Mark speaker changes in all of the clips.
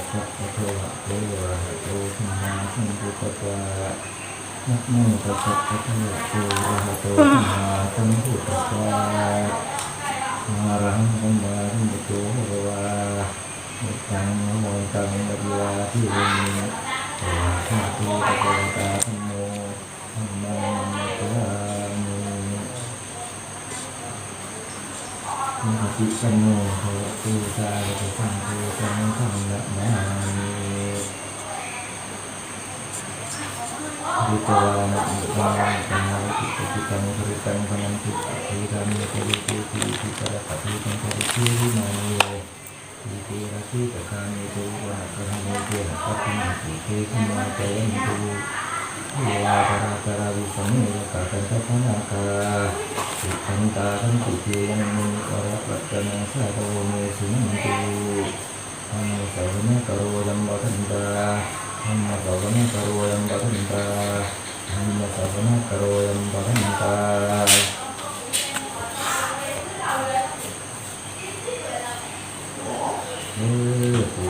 Speaker 1: สัพพะโตอะโตอะระหะโตสัมมาสัมพุทธัสสะนะโมตัสสะภะคะวะโตอะระหะโตสัมมาสัมพุทธัสสะอะระหังสัมมาสัมพุทโธภะคะวะพุทธังนะโมตังอะภิวาเทมิสวากขาโตภะคะวะตาธัมโมธัมมังนัมสสามินะติสัมโมภะคะวะโตสาวกสังโฆสังฆังนะมามิดุตวานะอุปาตังวะติปฏิตังปริตังพนันติปะเทธามิปริเทติปิปะปะเทตังปริเทวิมานิโยอิเตระทิตะคานิโตวะกะระโมเตนะปัตติมิเตขมาเตยันตุเยวาตระตระวิสัมเมยกะตันตะพนาคาสิทันตาทันติเตยังมุนิวระปัจจนะสะโตเมสุนันตุธัมมะสวนะกะโรยัมบะทันตาธัมมะสวนะกะโรยัมบะทันตาธัมมะสวนะกะโรยัมบะทันตาผู้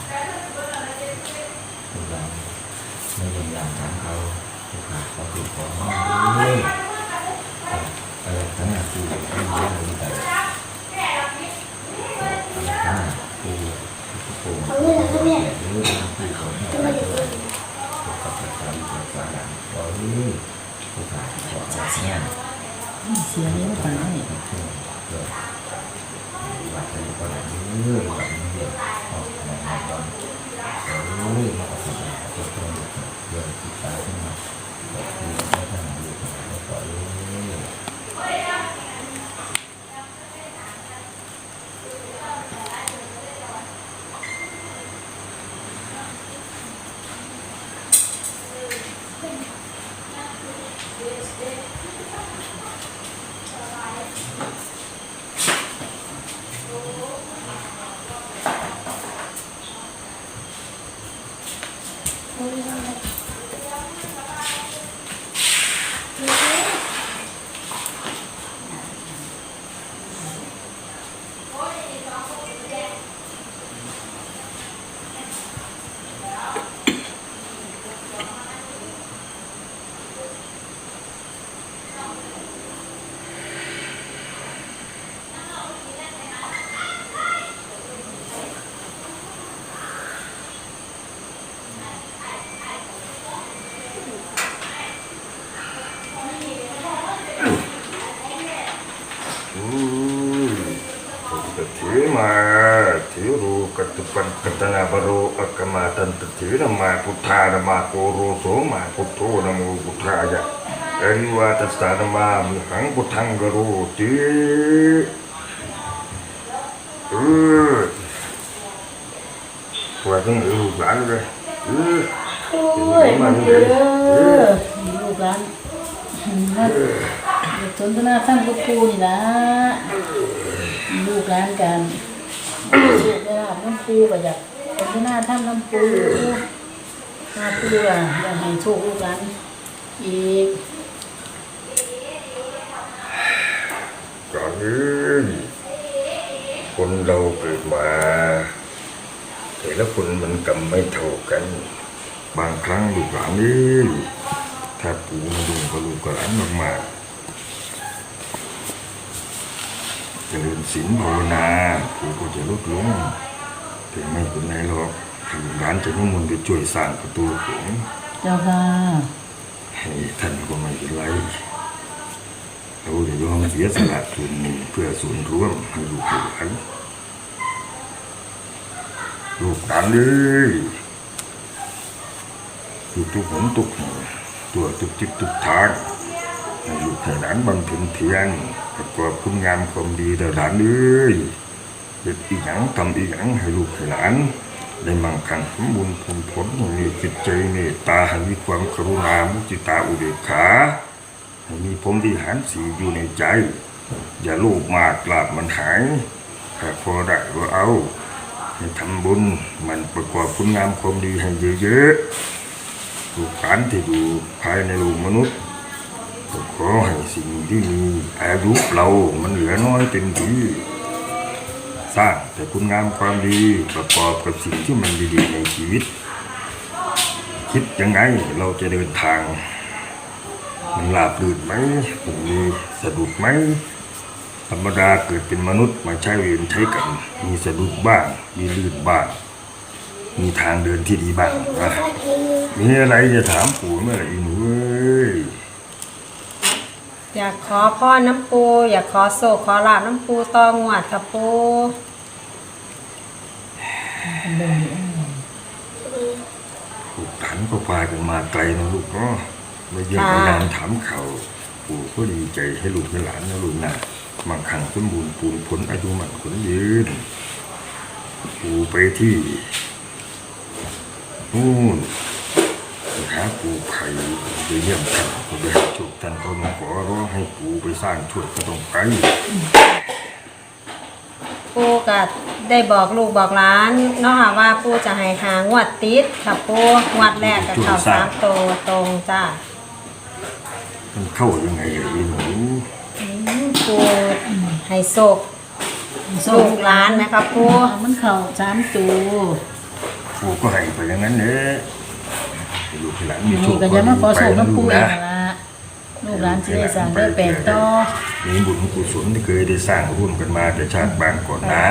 Speaker 1: เราไม่ยินยอมทำเขาผู้ขาดเขาถูกของเลยทั้งนั้นคือไม่รู้เลยแต่ทั้งนั้นคือผู้โกงผู้แก่หรือผู้ของเราด้วยผู้กับประชาชนผู้ฝ่ายหลังเราผู้ขาดของเสีย
Speaker 2: เสียเยอะไป
Speaker 1: วัดอะไรก็ได้วัดนี้เดียวออกมาตอนมาประสบการณ์ตัวตนเรื่องติดตามขึ้นมาแบบที่ไม่ทำอยู่แล้วก็
Speaker 3: ถือมาถือรูกัตปันกัตนาบโรอักมาตันตถือนามาพุทธานามาโกโรโสมาพุทโธนะโมพุทธายะอริวาตัสสานามามิหังพุทธังกโรติว่าต้องลูกหลานเลย
Speaker 2: โอ้ยมันเด้อลูกหลานมาสนทนาธรรมกับปู่นี่ล่ะลูกหลานกันลูกได้รับน้ำปู่ก็อยากสนทนาธรรมน้ำปู่มาปู่อ่ะอยากให้โชคลูกหลานอีก
Speaker 3: ก่อนนี้คนเราเกิดมาแต่ละคนมันกรรมไม่เท่ากันบางครั้งลูกหลานนี่ถ้าปู่มาดูกับลูกหลานมากๆเจริญศีลภาวนาปู่ก็จะลดลงแต่ไม่เป็นไรหรอกถ้าลูกหลานจะนิมนต์ไปช่วยสร้างประตูโขง
Speaker 2: เจ้าค่ะ
Speaker 3: ให้ท่านก็ไม่เป็นไรเราจะยอมเสียสละส่วนหนึ่งเพื่อส่วนรวมให้ลูกหลานเลยคือทุกหนทุกแห่งตัวทุกทิศทุกทางให้ลูกให้หลานบำเพ็ญเพียรประกอบคุณงามความดีแต่หลานเลยเด็ดอีหยังทำอีหยังให้ลูกให้หลานได้มั่งคั่งสมบูรณ์ผลมีจิตใจเมตตาให้มีความกรุณามุทิตาอุเบกขาให้มีพรหมวิหารสี่อยู่ในใจอย่าโลภมากลาภมันหายถ้าพอได้ก็เอาให้ทำบุญมันประกอบคุณงามความดีให้เยอะๆลูกหลานที่อยู่ภายในโลกมนุษย์ก็ขอให้สิ่งที่มีอายุเรามันเหลือน้อยเต็มที่สร้างแต่คุณงามความดีประกอบกับสิ่งที่มันดีๆในชีวิต คิดยังไงเราจะเดินทางมันราบรื่นไหมมันมีสะดุดไหมธรรมดาเกิดเป็นมนุษย์มาใช้เวรใช้กรรมมีสะดุดบ้างมีลื่นบ้างมีทางเดินที่ดีบ้างนะมีอะไรจะถามปู่เมื่อไหร่หนูเอ้ย
Speaker 4: อยากขอพ่อน้ำปูอยากขอโศกขอลาบน้ำปูตองหวดกับปู
Speaker 3: ลูกหลานก็พากันมาไกลนะลูกเนาะมาเยี่ยมมายามถามข่าวปู่ก็ดีใจให้ลูกให้หลานนะลูกนะมั่งคั่งสมบูรณ์ปูนผลอายุมั่นขนยืนปู่ไปที่นู่นไปหาปู่ไผ่ไปเยี่ยมท่านก็ไปหาโชคท่านก็มาขอร้องให้ปู่ไปสร้างช่วยก็ต้องไป
Speaker 4: ปูก็ได้บอกลูกบอกหลานเนาะค่ะว่าปูจะให้หางวดติดค่ะปูงวดแรกกับเขา3 ตัวตรงจ้า
Speaker 3: มันเข้ายังไงอะหนู
Speaker 4: ปูให้โศกลูกหลานนะครับปู
Speaker 2: มันเข่า3 ตัว
Speaker 3: ปู่ก็ให้ไปอย่างนั้นเนี่ยลูกให้หลานมีโช
Speaker 2: นี่
Speaker 3: ค
Speaker 2: ก็จะมาขอโศก
Speaker 3: นะ
Speaker 2: น้ำปูเอง
Speaker 3: นะ
Speaker 2: ละลูกหลานสิได้สร้างได้แปลงต่อ
Speaker 3: มีบุญกุศลที่เคยได้สร้างร่วมกันมาแต่ชาติบางก่อนนะ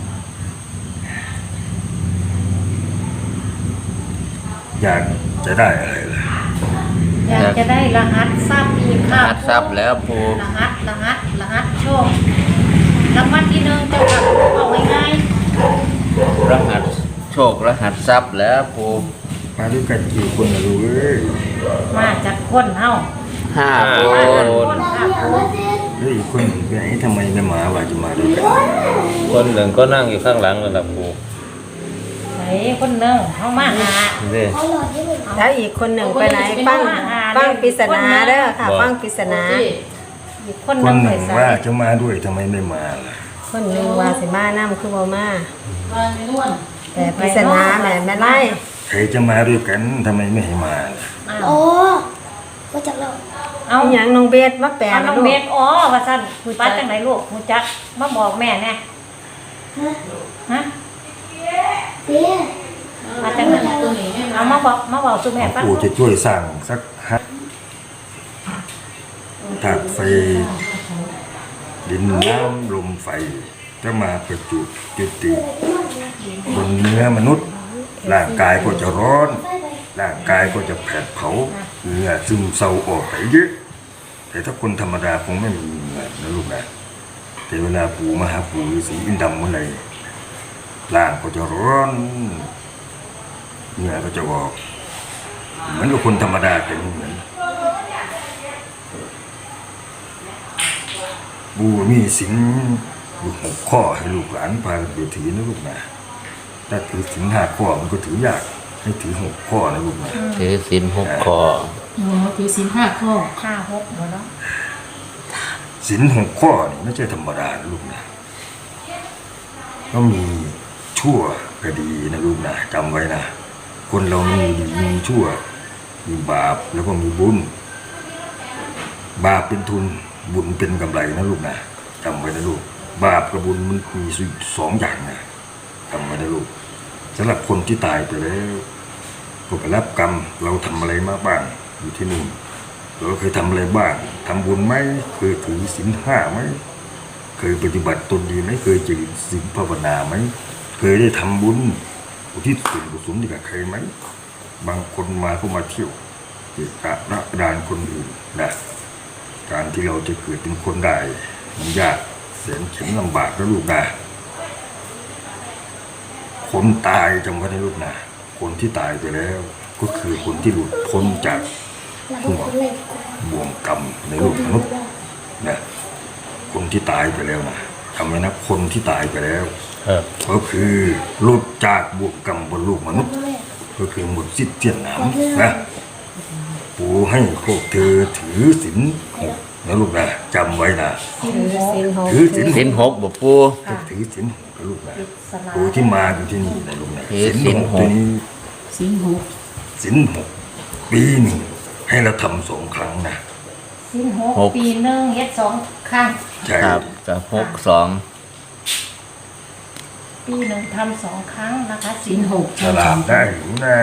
Speaker 3: อยากจะได้อะไรล่ะ
Speaker 2: อยากจะได้รหัสทรัพย์อีกค่ะ
Speaker 1: หัดทรัพย์แล้วปู
Speaker 2: รหัสโชครางวัลที่1เจ้าค่ะเอาง่าย
Speaker 1: รหัสโชครหัสทรัพย์แล้วปู
Speaker 3: มาด้วยกันกี่คนนะลูกเอ้ย
Speaker 2: ๆมาจากคนเฮา
Speaker 1: 5 คน
Speaker 2: คนค่ะ
Speaker 3: แล้วอีกคนหนึ่งไปไหนทำไมไม่มาว่าจะมาด้วยกัน
Speaker 5: คนหนึ่งก็นั่งอยู่ข้างหลังนั่นแหละปู
Speaker 2: ไหนคนหนึงเฮามาหา
Speaker 5: นี่
Speaker 4: แล้วอีกคนหนึ่งไปไหนฟังปริศนาเด้อค่ะฟังปริศนา
Speaker 2: อีกคน
Speaker 3: ค
Speaker 2: นึ
Speaker 3: น
Speaker 2: ง
Speaker 3: ห
Speaker 2: ไป
Speaker 3: นึ่ง
Speaker 2: ใส่
Speaker 3: ว่าจะมาด้วยทำไมไม่มาล่ะ
Speaker 4: คนหนึ่งว่าสิมาน้ำคือบ่มา
Speaker 2: ว่าไม่นวล
Speaker 4: แต่ปริศนาแม่ไม่ไล่
Speaker 3: ใครจะมาด้วยกันทำไมไม่ให้มาล่ะ
Speaker 2: โอ้
Speaker 6: ก็จะเล่า
Speaker 2: เอา
Speaker 4: อีหยังน้องเบสมาแปล
Speaker 2: เอา
Speaker 4: นะ
Speaker 2: น้อง
Speaker 4: ลู
Speaker 2: เบ
Speaker 4: ก
Speaker 2: สอ๋อว่าซั่นป้าจังไหนลูกฮู้จักมาบอกแม่แน่ฮะ
Speaker 6: เอ๊ะ
Speaker 2: มาจังไหนเอามาบอกสู่แม่ฟัง
Speaker 3: ปู่จะช่วยสร้างสักห้าถาดไฟดินน้ำลมไฟจะมาประจุจุติบนเนื้อมนุษย์ร่างกายก็จะร้อน ร่างกายก็จะแผดเผาเหงื่อซึมเศร้าออกไปเยอะแต่ถ้าคนธรรมดาคงไม่มีเหงื่อนะลูกนะแต่เวลาปู่มาหาปู่ฤาษีอินทร์ดำเมื่อไหร่ร่างก็จะร้อนเหงื่อก็จะออกเหมือนกับคนธรรมดาแต่ไม่เหมือนปู่มีศีลอยู่6 ข้อให้ลูกหลานพาไปถือนะลูกนะถ้าถือศีล5 ข้อมันก็ถือยากให้ถือ6 ข้อนะลูกนะ
Speaker 1: ถือศีล6 ข้อ
Speaker 2: โอ้ถือศีล5 ข้อ5 6บ่เนาะ
Speaker 3: ศีล6 ข้อนี่ไม่ใช่ธรรมดานะลูกนะก็มีชั่วก็ดีนะลูกนะจำไว้นะคนเรามีดีมีชั่วมีบาปแล้วก็มีบุญบาปเป็นทุนบุญเป็นกำไรนะลูกนะจำไว้นะลูกบาปกับบุญมันมี2 อย่างนะจำไว้นะลูกสำหรับคนที่ตายไปแล้วก็ไปรับกรรมเราทำอะไรมาบ้างอยู่ที่นู่นเราเคยทำอะไรบ้างทำบุญไหมเคยถือศีล5ไหมเคยปฏิบัติตนดีไหมเคยเจริญศีลภาวนาไหมเคยได้ทำบุญอุทิศส่วนกุศลให้กับใครไหมบางคนมาก็มาเที่ยวเกะกะระรานคนอื่นนะการที่เราจะเกิดเป็นคนได้มันยากแสนเข็ญลำบากนะลูกนะคนตายจำไว้นะลูกนะคนที่ตายไปแล้ว ก็คือคนที่หลุดพ้นจาก
Speaker 6: เราทุกคนเลยกู
Speaker 3: บ่วงกรรมในโลกมนุษย์นะคนที่ตายไปแล้วนะจำไว้นะคนที่ตายไปแล้ว
Speaker 5: ครับ
Speaker 3: ก็คือหลุดจากบ่วงกรรมบนโลกมนุษย์ ก็คือหมดสิ้นเจียนหนามนะปู่ให้พวกเธอถือศีล6นะลูกนะจำไว้นะ
Speaker 4: ถือศีล
Speaker 3: ถือศีล
Speaker 1: ศีล6บ่ปู
Speaker 3: ถือศีล6นะลูกนะปู่ที่มาอยู่ที่นี่นะลูกนะ
Speaker 1: ถือศีล
Speaker 3: ตัวนี้
Speaker 2: ศีล
Speaker 3: ศีล6 ปีหนึ่งให้เราทำ2 ครั้งนะ
Speaker 2: 6ศีล6ปีหนึงเฮ็ด2ครั้ง
Speaker 3: ใช่
Speaker 1: ครับกับ62
Speaker 7: ปีหนึ่งทำ2 ครั้งนะคะ
Speaker 2: ศีล 6
Speaker 3: ฉลาดได้หรือนะ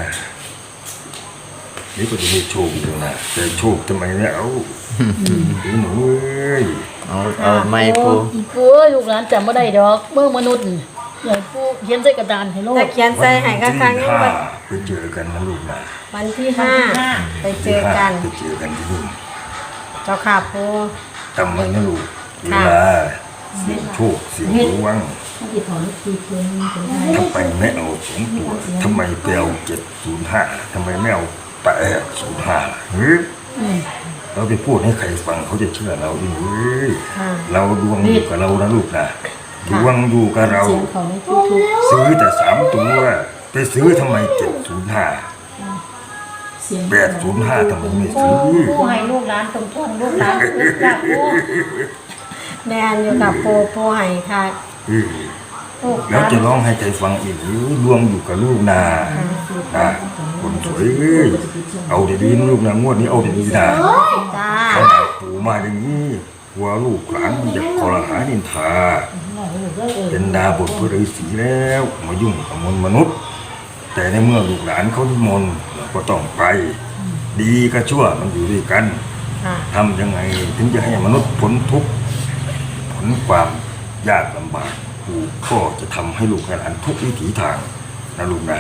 Speaker 3: นี่ก็จะมีโชคอยู่นะแต่โชคทำไมไม่เอาหนูเอ้ย
Speaker 5: เอาไม่ปู
Speaker 2: อีกเอ้ยลูกหลานจำบ่ได้ดอกเมื่อมนุษย์นี่อย่างผู้เขียนใส่กระดานให้โล
Speaker 4: แต่
Speaker 2: ก
Speaker 4: เขียนใส่ให้ก็ครั้งนี้
Speaker 3: วัน
Speaker 4: วัน
Speaker 3: ที่5ไปเจอกันนะลูกนะ
Speaker 4: วันที่ห้าไปเจอกัน
Speaker 3: ไปเจอกันที่นู่น
Speaker 4: เจ้าค่ะปู
Speaker 3: จำไว้นะลูกเวลาเสียงโชคเสียงดวง
Speaker 2: เขาสิถอนทีเพิ่นเป็นไง
Speaker 3: ทำไมไม่เอา2 ตัวทำไมไปเอา705ทำไมไม่เอา805เฮ้ยเราไปพูดให้ใครฟังเขาจะเชื่อเราดิเว้ย
Speaker 4: ค่ะ
Speaker 3: เราดวงอยู่กับเรานะลูกนะดวงอยู่กับเรา
Speaker 2: เสียงเขาในทุก
Speaker 3: ซื้อแต่3 ตัวไปซื้อทำไม705
Speaker 2: ๆเสียง
Speaker 3: 805ทำไมไม่ซื้อ
Speaker 7: ผู้ให้ลูกหลานตรงๆลูกหลานลูกจ้าผู้
Speaker 4: แมนอยู่กับปูให้ค่ะ
Speaker 3: เออ
Speaker 7: ลูกห
Speaker 3: แล้ว
Speaker 7: ลาน
Speaker 3: จะร้องให้ใครฟังอีกหรือดวงอยู่กับลูกนาคนสวยเอ้ยเอาดีๆนะลูกนะงวดนี้เอาดีๆนะ
Speaker 4: จ้า
Speaker 3: ขนาดปู่มาอย่างนี้กลัวลูกหลานมันจะคอรหานินทาเป็นดาบทพระฤาษีแล้วมายุ่งกับมนุษย์ แต่ในเมื่อลูกหลานเขานิมนต์เราก็ต้องไป ดีกับชั่วมันอยู่ด้วยกัน
Speaker 4: ค่ะ
Speaker 3: ทำยังไงถึงจะให้มนุษย์พ้นทุกข์พ้นความยากลำบากปู่ก็จะทำให้ลูกให้หลานทุกวิถีทางนะลูกนะ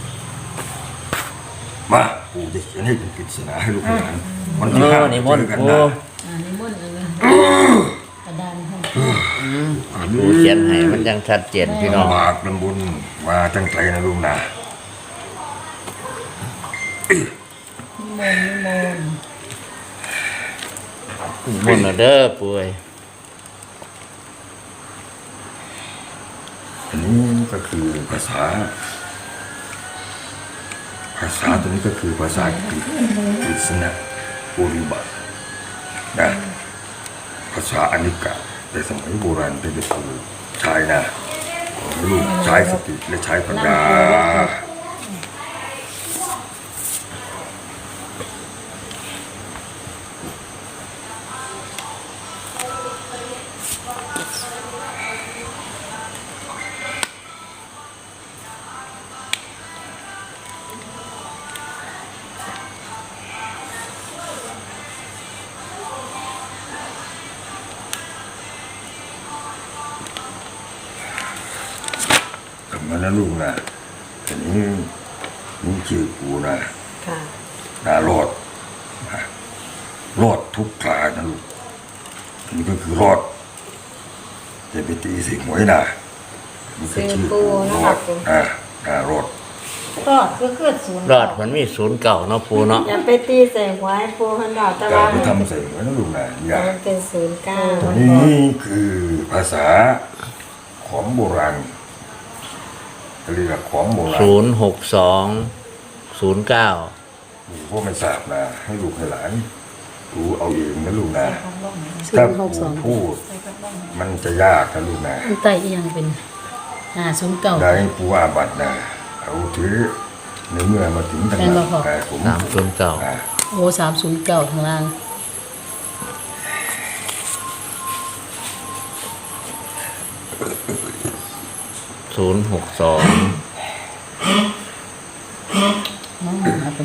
Speaker 3: มาปู่จะเขียนให้เป็นปริศนาให้ลูกให้หลานวันที่5
Speaker 5: นิมนต์
Speaker 3: เจอกัน
Speaker 5: ปู
Speaker 3: นะ
Speaker 2: นิมนต์กระดานให้
Speaker 5: ปูเขียนให้มันยังชัดเจนพี่น้อง
Speaker 3: ลำบากลำบุญมาตั้งใจนะลูกนะ
Speaker 2: นิมนต์
Speaker 5: มนต์เด้อปูเอ้ย
Speaker 3: อันนี้ก็คือภาษาตัวนี้ก็คือภาษากรีกปริศนาปุริบัตินะภาษาอนิกะในสมัยโบราณเป็นครูใช้นะขอให้ลูกใช้สติและใช้ปัญญาทำมานะลูกนะอันนี้นี่ชื่อกูนะ
Speaker 4: ค่ะ
Speaker 3: รอดนะรอดทุกครานะลูกอันนี้ก็คือรอดจะไปตีสิหวยนะมันก็ชื่อกูรอดรอด
Speaker 7: ก็คือศูนย์
Speaker 5: รอดมันมีศูนย์เก่าเนาะปูเนาะ
Speaker 4: อย่าไปตีใส่หัวให้ปูพันดอกตะ
Speaker 3: กา
Speaker 4: วั
Speaker 3: ร
Speaker 4: น
Speaker 3: ไปทำใส่หวยนะลูกนะอย่า
Speaker 4: มันเป็น09
Speaker 3: ตัวนี้คือภาษาของโบราณเรียกของโบราณ
Speaker 5: 06209
Speaker 3: ปู่ก็ไม่ทราบนะให้ลูกให้หลานดูเอาเองนะลูกนะถ้าปู่พูดมันจะยากนะลูกนะ
Speaker 2: อันใต้อีหยังเป็น509
Speaker 3: ได้ปู่อาบัตนะเอาถือในเมื่อมาถึงทาง
Speaker 2: แม่นบ่พ่อ
Speaker 3: แต่ผม
Speaker 5: 309
Speaker 2: โอ้309ข้างล่าง
Speaker 5: 062
Speaker 2: น้องหาเป็น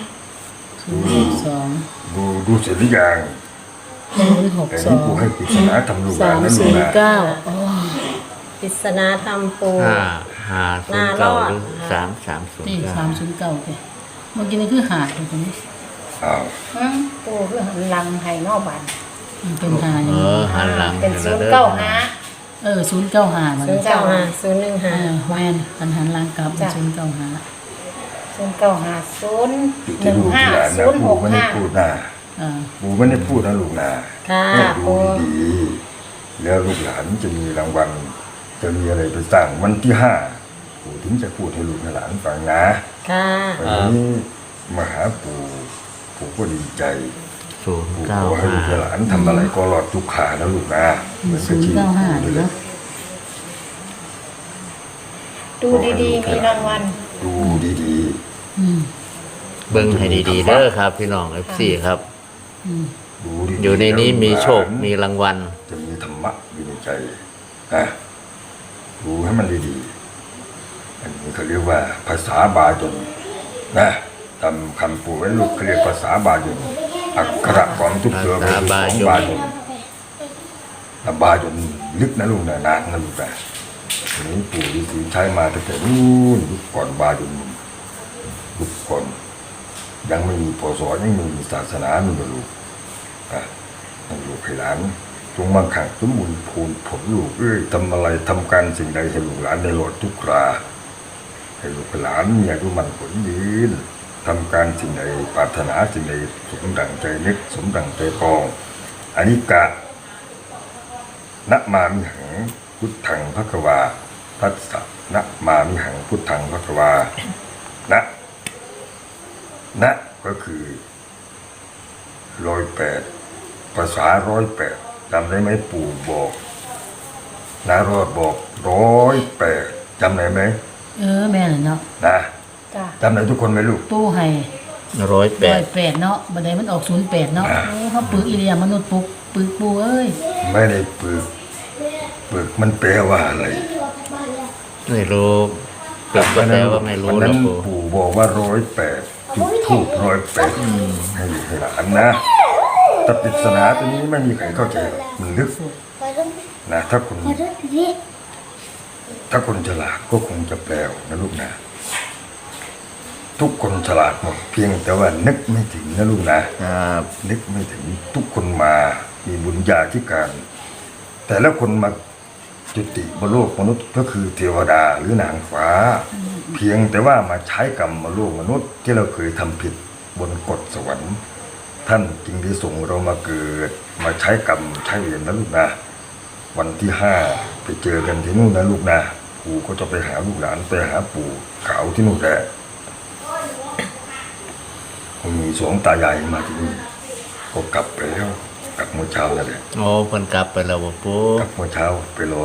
Speaker 2: 062
Speaker 3: ดูเสร็จหรือยังแต่นี่ปู่ให้ปริศนาทำลูกหลานนะลูกนะ
Speaker 2: 309อ๋อ
Speaker 4: ปริศนาธรรมปู
Speaker 5: 509หรือ
Speaker 2: นี่
Speaker 5: 3309
Speaker 2: 309ไปเมื่อกี้นี่คือหาดตรงนี้
Speaker 3: อ้าว
Speaker 7: ปูคือหันหลังให้นอกบ้าน
Speaker 2: มันเป็นหาอย่าง
Speaker 5: เอ
Speaker 2: นี้
Speaker 5: อหันหลัง
Speaker 7: เป็น
Speaker 5: ให้
Speaker 7: ศู
Speaker 5: แล้ว
Speaker 7: นย์
Speaker 5: เด้อ
Speaker 7: เก้าห้า
Speaker 2: 095มัน
Speaker 4: 095
Speaker 2: แม่นหันหลังกลับเป็น095
Speaker 7: 095
Speaker 3: ติดที่ลูกที่หลานนะปู่ไม่ได้พูดนะ
Speaker 2: อ่า
Speaker 3: ปู่ไม่ได้พูดนะลูกนะ
Speaker 4: ค่ะ
Speaker 3: ให้ดู
Speaker 4: ปู
Speaker 3: ดีๆแล้วลูกหลานจะมีรางวัลจะมีอะไรไปสร้างวันที่5ปู่ถึงจะพูดให้ลูกให้หลานฟังนะ
Speaker 4: ค่ะ
Speaker 3: วันนี้มาหาปู่ก็ดีใจปู่ขอให้ลูกให้หลานทำอะไรก็รอดทุกขานะลูกนะเหมือนกับที่ปู่นี่แหละ
Speaker 7: ดูดีๆ มีรางวัล
Speaker 3: ดูดี
Speaker 2: อืม
Speaker 5: เบิ่งให้ดีๆเด้อครับพี่น้อง FC ครับ
Speaker 3: ๆดูดีๆ
Speaker 5: อยู่ในนี้มีโชค
Speaker 3: แล้ว
Speaker 5: มีรางวัล
Speaker 3: จะมีธรรมะอยู่ในใจนะดดูให้มันดีๆอันนี้เขาเรียกว่าภาษาบาจนนะตามคำปู่ไว้ลูกเขาเรียกภาษาบาจนอักขระของทุกตัวเป็นของบาจนบาจนลึกนะลูกนะนานนะลูกนะอันนี้ปู่ฤาษีใช้มาตั้งแต่นู้นยุคก่อนบาจนยุคก่อนยังไม่มีพศยังไม่มีศาสนาหนึ่งลูกลูกให้หลานจงมั่งคั่งสมบูรณ์พูนผลลูกทำอะไรทำการสิ่งใดให้ลูกหลานได้โลดทุกคราให้ลูกหลานมีอายุมั่นผลยืนทำการสิ่งใดปรารถนาสิ่งใดสมดังใจนึกสมดังใจปองอนิกะนะมามิหังพุทธังภควาทัสสะนะมามิหังพุทธังภควานะก็คือ108ภาษา108จำได้ไหมปู่บอกนารอดบอก108จำได้ไหม
Speaker 2: แม่น่ะเนาะ
Speaker 3: นะ
Speaker 7: จ้ะ
Speaker 3: จำได้ทุกคนไหมลูก
Speaker 2: ปู่ให้
Speaker 5: 108
Speaker 2: เนาะบัดนี้มันออก08เนาะเขาปึกอีเลียมนุษย์ปึกปู่เอ้ย
Speaker 3: ไม่ได้ปึกมันแปลว่าอะไร
Speaker 5: ไม่รู้ปึกก็แปลว่าไม่รู้
Speaker 3: วัน
Speaker 5: หร
Speaker 3: นั้
Speaker 5: อก
Speaker 3: น
Speaker 5: ปู่
Speaker 3: ปู่บอกว่า108จุดทูบ108ให้หลานนะแต่ปริศนาตัวนี้ไม่มีใครเข้าใจหรอกมันลึกนะถ้าคนฉลาดก็คงจะแปลนะลูกนะทุกคนฉลาดหมดเพียงแต่ว่านึกไม่ถึงนะลูกนะครับนึกไม่ถึงทุกคนมามีบุญญาธิการ แต่ละคนมาจุติบนโลกมนุษย์ก็คือเทวดาหรือนางฟ้า เพียงแต่ว่ามาใช้กรรมมาโลกมนุษย์ที่เราเคยทำผิดบนกฎสวรรค์ท่านจึงได้ส่งเรามาเกิดมาใช้กรรมใช้เวรนะลูกนะวันที่5ไปเจอกันที่นู่นนะลูกนะปู่ก็จะไปหาลูกหลานไปหาปู่ขาวที่นู่นแหละมี2 ตายายมาที่นี่ก็กลับไปแล้วกลับเมื่อเช้านั่นแหละ
Speaker 5: โอ้เพิ่นกลับไปแล้วบ่ปู่
Speaker 3: กลับเมื่อเช้าไปร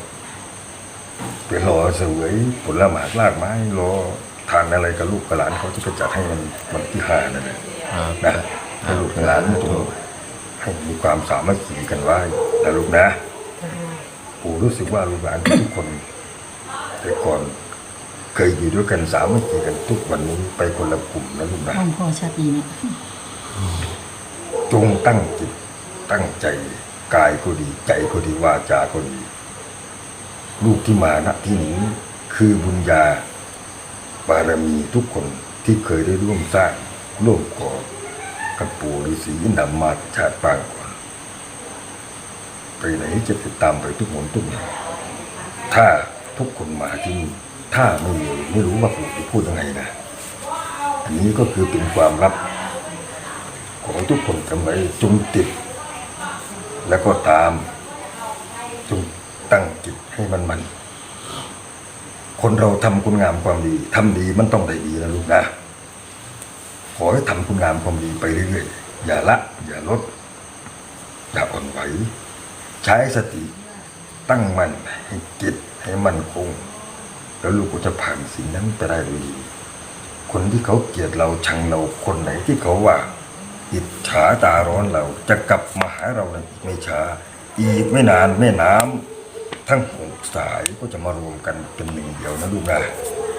Speaker 3: อเสวยผลไม้รากไม้รอทานอะไรกับลูกกับหลานเขาจะไปจัดให้มันวันที่5นั่นแหละนะให้ลูกกับหลานจงให้มีความสามัคคีกันไว้นะลูกนะปู่รู้สึกว่าลูกหลานทุกคนแต่ก่อนเคยอยู่ด้วยกันสามัคคีกันทุกวันนี้ไปคนละกลุ่มนะลูกนะ
Speaker 2: ห้องพ่อชัดดีเนี่ย
Speaker 3: จงตั้งจิตตั้งใจกายก็ดีใจก็ดีวาจาก็ดีลูกที่มาณที่นี้คือบุญญาบารมีทุกคนที่เคยได้ร่วมสร้างร่วมก่อกับปู่ฤาษีนำมาชาติปางก่อนไปไหนจะติดตามไปทุกหนทุกแห่งถ้าทุกคนมาที่นี่ถ้าไม่รู้ว่าปู่จะพูดยังไงนะอันนี้ก็คือเป็นความลับขอทุกคนจำไว้จงติดแล้วก็ตามจงตั้งจิตให้มันคนเราทำคุณงามความดีทำดีมันต้องได้ดีนะลูกนะขอให้ทำคุณงามความดีไปเรื่อยๆอย่าละอย่าลดอย่าอ่อนไหวใช้สติตั้งมั่นให้จิตให้มั่นคงแล้วลูกก็จะผ่านสิ่งนั้นไปได้ด้วยดีคนที่เขาเกลียดเราชังเราคนไหนที่เขาว่าอิจฉาตาร้อนเราจะกลับมาหาเราในอีกไม่ช้าอีกไม่นานแม่น้ำทั้ง6 สายก็จะมารวมกันเป็นหนึ่งเดียวนะลูกนะ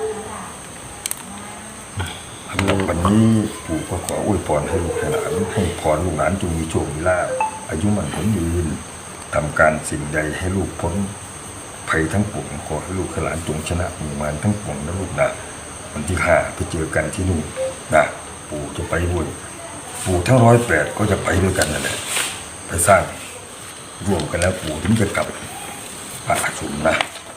Speaker 3: สำหรับวันนี้ปู่ก็ขออวยพรให้ลูกให้หลานให้พรลูกหลานจงมีโชคมีลาภอายุมั่นขวัญยืนทำการสิ่งใดให้ลูกพ้นภัยทั้งปวงขอให้ลูกให้หลานจงชนะหมู่มารทั้งปวงนะลูกนะวันที่5ไปเจอกันที่นู่นนะปู่จะไปด้วยปู่ทั้ง108ก็จะไปด้วยกันนั่นแหละไปสร้างร่วมกันแล้วปู่ถึงจะกลับพระอาชุมนะ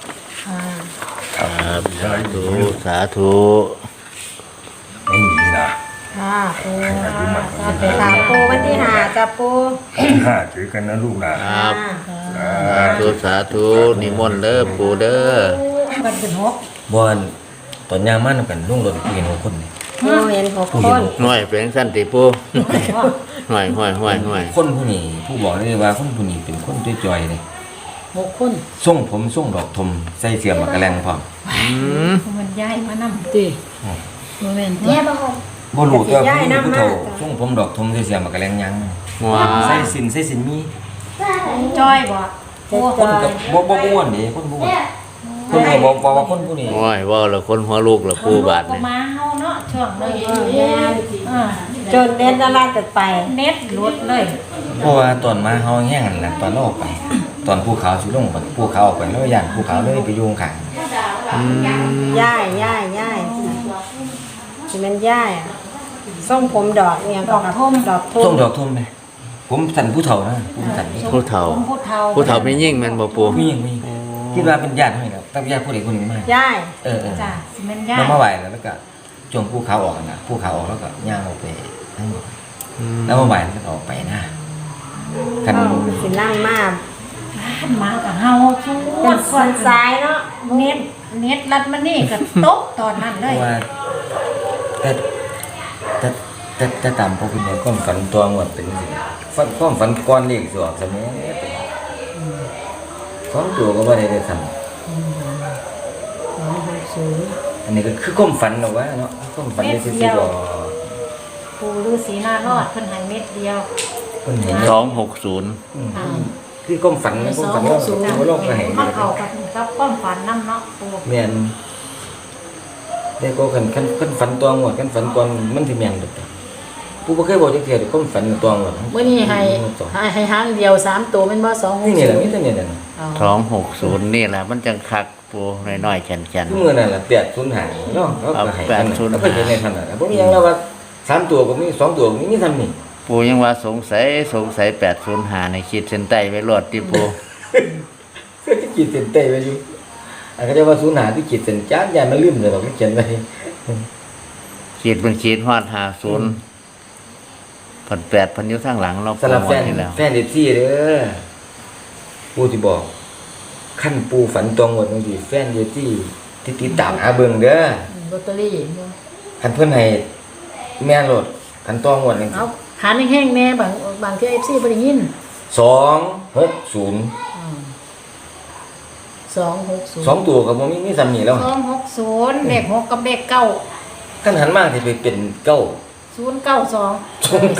Speaker 5: ครับสาธุสาธุ
Speaker 3: ไม่มีนะ
Speaker 4: ค่ะปู
Speaker 3: ให้อายุมั่นขวัญ
Speaker 4: ไป
Speaker 3: ยืน
Speaker 4: ถามปูวันที่5จ้ะปู
Speaker 3: วันที่5เจอกันนะลูกนะครับ
Speaker 5: สาธุสาธุนิมนต์เด้อปู่เด้อ
Speaker 2: มันเป็น6
Speaker 1: บอนตอนยามมานำกันลุงรถคุยกัน6 คนนี่
Speaker 4: ปูเห็น6 คน
Speaker 5: หน่อยเป็นสั้นติปู่หน่อย
Speaker 1: คนผู้นี้ผู้บอกเลยว่าคนผู้นี้เป็นคนจ่อยๆเลย
Speaker 2: 6 คน
Speaker 1: ส่งผมส่งดอกทมใส่เสียมากระแลงพร้อม
Speaker 7: มันย้ายมานำ
Speaker 2: ติบ่แม่น
Speaker 6: แม่บอก
Speaker 1: บ่รู้ตัวผู้นี้ผู้เฒ่าส่งผมดอกทมใส่เสียมากระแลงยัง
Speaker 5: ว้า
Speaker 1: ใส่สินมี
Speaker 7: จ้อยบ่ปู
Speaker 1: คนกับบ่อ้วนเด้คนบ่อ้วนคุณก็บอกว่าคนผู้นี้
Speaker 5: โอ้ยเว่าแล้วคนหัวลูกแล้วปูบาด
Speaker 2: ก็
Speaker 5: นี่
Speaker 2: มาเฮาเนาะช่วงนึง
Speaker 4: จนเน็ตละลายตัดไป
Speaker 2: เน็ตหลุดเลย
Speaker 1: เพราะว่าตอนมาเฮาแห้งนั่นแหละตอนเราออกไป ตอนภูเขาสิลงไปภูเขาออกไปแล้วย่านภูเขาเลยไปอยู่ข้าง
Speaker 4: ย่ายสิแม่นย่ายอะส่งผมดอกเนี่ยก็ครับดอก
Speaker 1: ๆ
Speaker 4: ทุ่
Speaker 1: ส้
Speaker 4: ม
Speaker 1: มดอกทุ่มเลยผมสั่นผู้เฒ่านะผมสั่นนี่
Speaker 5: ผู้เฒ่า
Speaker 2: ผู้เฒ่า
Speaker 5: ผู้เฒ่าไม่ยิ่งแมันบ่ปู
Speaker 1: มีอย่างมีคิดว่าเป็นญาติให้แล้วตั้งญาติผู้ใดคนหนึ่งมา
Speaker 4: ย่าย
Speaker 1: เออ
Speaker 2: จ้ะสิแม่นย่า
Speaker 1: แล้วมาไหวแล้วก็จงภูเขาออกนะภูเขาออกแล้วก็ย่างออกไปทั้งหมดแล้วมาไหวแล้วก็ออกไปนะกัน
Speaker 4: สินั่งมา
Speaker 2: มากับเฮาชู
Speaker 4: เป็นคนซ้ายเนาะ
Speaker 2: เน็ตรัดมานี่ก็ตกตอนนั้น
Speaker 1: เพ
Speaker 2: เลย
Speaker 1: ราะว่าแต่ตามพวกคุณเนี่ยความฝันตัวหมดเป็นสิฝันความฝันก้อนเลขสวกสมัยของตัวก็บ่ได้ได้ทำอันนี้ก็คือความฝันหรอกวะเนาะความฝันในสิ่งที่บอก
Speaker 2: ปูฤาษีนารอดเพิ่นให้เม็ดเดียว
Speaker 1: คนเห็น
Speaker 5: 260
Speaker 1: คือความฝันนะความฝันเราโลกก็เห็น
Speaker 2: มันเข้ากับความฝันนำเนาะปู
Speaker 1: แม่นแต่ก็คันฝันตัวหมดคันฝันก่อนมันสิแม่นเด้อผู้บ่เคยบอกจักเทื่อเด้อความฝันตัวหมด
Speaker 2: มื้อนี้ให้หางเดียว3ตัวแม่นบ่2
Speaker 1: นี่แหละมีแต่เนี่ยนะ
Speaker 5: 260นี่แหละมันจังคักปูน้อยๆแข็ง
Speaker 1: คือมื้อนั้นล่ะ805เนาะเขาก็ให้กันแล้วก็เห็นในท่านน่ะบ่มีหยังแล้วว่า3ตัวก็มี2ตัวก็มีทำนี่
Speaker 5: ๆปูยังว่าสงสัย805ในขีดเส้นใต้ไว้รอดที่ปู
Speaker 1: ก็ที่ขีดเส้นใต้ไว้อยู่อันก็จะว่า05ที่ขีดเส้นจานยายมันลืมเลยว่ามันเขียนไว้
Speaker 5: ขีดเป็นขีดฮอด50พัน8พันอยู่ทางหลังเรา
Speaker 1: สำหรับแฟน
Speaker 5: นี่แล้ว
Speaker 1: แฟนFCเด้อปู่สิบอกขั้นปูฝันตรงหมดบางทีแฟนFCที่ติดตามหาเบิ่งเด้อ
Speaker 2: ลอตเตอรี่
Speaker 1: คันเพิ่นให้แม่นโลดคันตรงหมดนี่
Speaker 2: เอาหาแห้งๆแน่บางที่ FC บ่ได้ยิน
Speaker 1: 260
Speaker 2: 260
Speaker 1: 2ตัวก็บ่มีซ้ำนี่แล้ว
Speaker 2: 260เลข6กับเลข9
Speaker 1: คันหันมาสิไปเป็นเก้า
Speaker 2: 092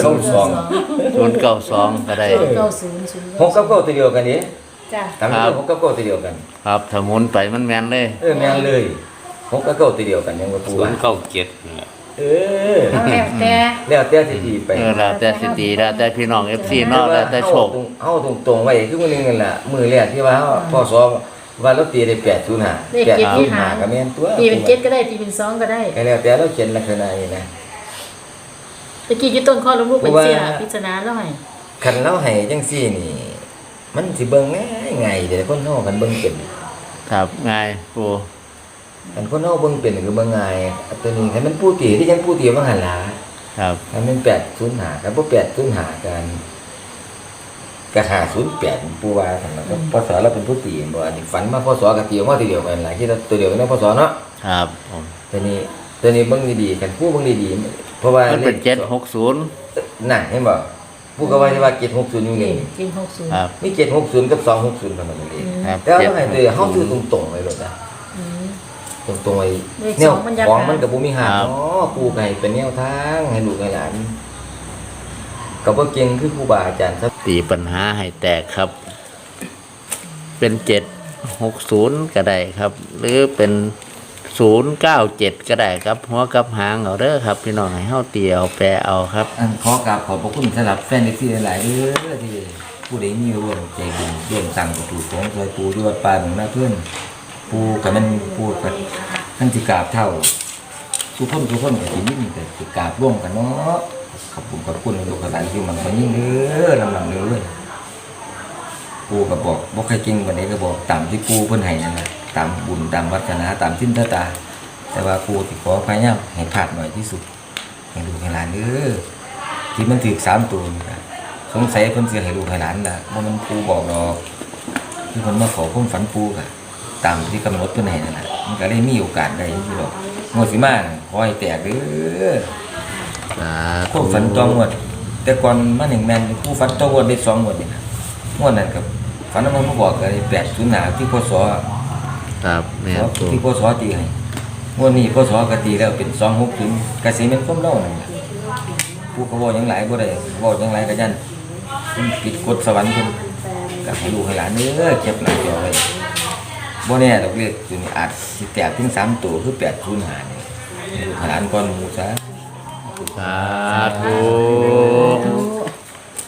Speaker 5: 092ก็ได้
Speaker 2: 090
Speaker 1: หกกับเก้าตัวเดียวกันนี่
Speaker 2: จ้ะ
Speaker 1: ตามที่หกกับเก้าตัวเดียวกัน
Speaker 5: ครับถ้าหมุนไปมันแม่นเลย
Speaker 1: แม่นเลยหกกับเก้าตัวเดียวกันยังว่าปูว่า
Speaker 5: 097นี่แหละ
Speaker 2: เอาแล้วแต่
Speaker 1: แล้วแต่สิตีไป
Speaker 5: แล้วแต่สิตีแล้วแต่พี่น้อง FC เนาะแล้วแต่โชค
Speaker 1: เฮาตรงๆไว้คือมื้อนึงนั่นล่ะมื้อแรกที่ว่าเฮาพ่อสอว่าเราตีได้805
Speaker 2: เลขเจ็ดที่หา
Speaker 1: ก็แม่นตัว
Speaker 2: ตีเป็น7ก็ได้ตีเป็น2ก็ได้
Speaker 1: ก็แล้วแต่เราเขียนลักษณะนี้นะ
Speaker 2: ตะกี้อยู่ต้นข้อลูกเป็นเสียพิจารณาแล้วให้
Speaker 1: คันเราให้จังซี่นี่ มันสิเบิ่งง่ายๆเด้อคนเฮาคันเบิ่งเป็น
Speaker 5: ครับง่ายปู
Speaker 1: คันคนเฮาเบิ่งเป็นคือเบิ่งง่ายอันตัวนี้คันมันผู้ตีที่จังผู้ตีว่าหั่นล่ะ
Speaker 5: ครับ
Speaker 1: คันมัน805กับบ่805กันก็508ปู่ว่าซั่นล่ะก็พศเราเป็นผู้ตีบ่อันนี้ฝันมาพศก็ตีออกมาทีเดียวกันล่ะคิดว่าตัวเดียวกันเนาะพศเนาะ
Speaker 5: ครับผม
Speaker 1: ตัวนี้เบิ่งดีๆคันผู้เบิ่งดีๆเพราะว่า
Speaker 5: มันเป็น
Speaker 1: ลข
Speaker 5: 760
Speaker 1: น่ะเห็นบ่ผู้ก็ว่าสิว่า760อยู่นี่
Speaker 2: กิน60
Speaker 5: ครับ
Speaker 1: มี760กับ260เท่านั้นเอง
Speaker 5: ครับ
Speaker 1: แต่เราให้ตัวเฮาซื้อตรงๆไว้โลดนะตรงๆไว้แนวของมันก็บ่มีหักเนาะปู่ก็ให้เป็นแนวทางให้ลูกให้หลานก็บ่เก่งคือครูบาอาจารย์ครับ
Speaker 5: ตีปัญหาให้แตกครับ เป็น760ก็ได้ครับ หรือเป็น097ก็ได้ครับหัวกับหางเอาเด้อครับพี่น้องให้เฮาตีเอาแปรเอาครับ
Speaker 1: ขอกราบขอบพระคุณสำหรับแฟนที่หลายๆเด้อที่ผู้ใดมีร่วมใจบุญร่วมสั่งประตูของซอยปู่ที่วัดป่าหนองนาเพิ่นปู่ก็มันปู่ก็ท่านสิกราบเท่าทุกคนก็สิมีแต่สิกราบร่วมกันเนาะขอบคุณลูกหลานที่มันก็ยิ่งเด้อลำๆเลยปู่ก็บอกบ่เคยจริงวันนี้ก็บอกตามที่ปู่เพิ่นให้นั่นแหละตามบุญตามวัฒนาตามสิ้นตาแต่ว่าปู่ที่ขอพยายามให้พลาดหน่อยที่สุดให้ลูกให้หลานเด้อที่มันถึก3ตัวนี่ก็สงสัยเพิ่นสิให้ลูกให้หลานล่ะบ่มันปู่บอกดอกที่เพิ่นมาขอความฝันปู่ก็ตามที่กำหนดเพิ่นให้นั่นน่ะมันก็เลยมีโอกาสได้อยู่ดอกงวดสิมาน่ะขอให้แตกเด้อ
Speaker 5: สา
Speaker 1: พวกฝันตัวงวดแต่ก่อนมา1แม่นผู้ฝันตัวงวดได้2งวดนี่นะงวดนั้นก็ฝันว่ามันมาบอกก็ได้805ที่พศ
Speaker 5: ครับแม่นปู
Speaker 1: ที่พศตีให้งวดนี้พศก็ตีแล้วเป็น260ก็สิเป็นความเล่านั่นล่ะผู้ก็เว้าหยังหลายบ่ได้เว้าหยังหลายก็ยันปิดกฎสวรรค์เพิ่นก็ให้ลูกให้หลานเด้อเก็บหน้าจอไว้บ่แน่ดอกเลขตัวนี้อาจสิแตกถึง3ตัวคือ805นี่ลูกหลานก่อนหมู่ซะ
Speaker 5: สาธุ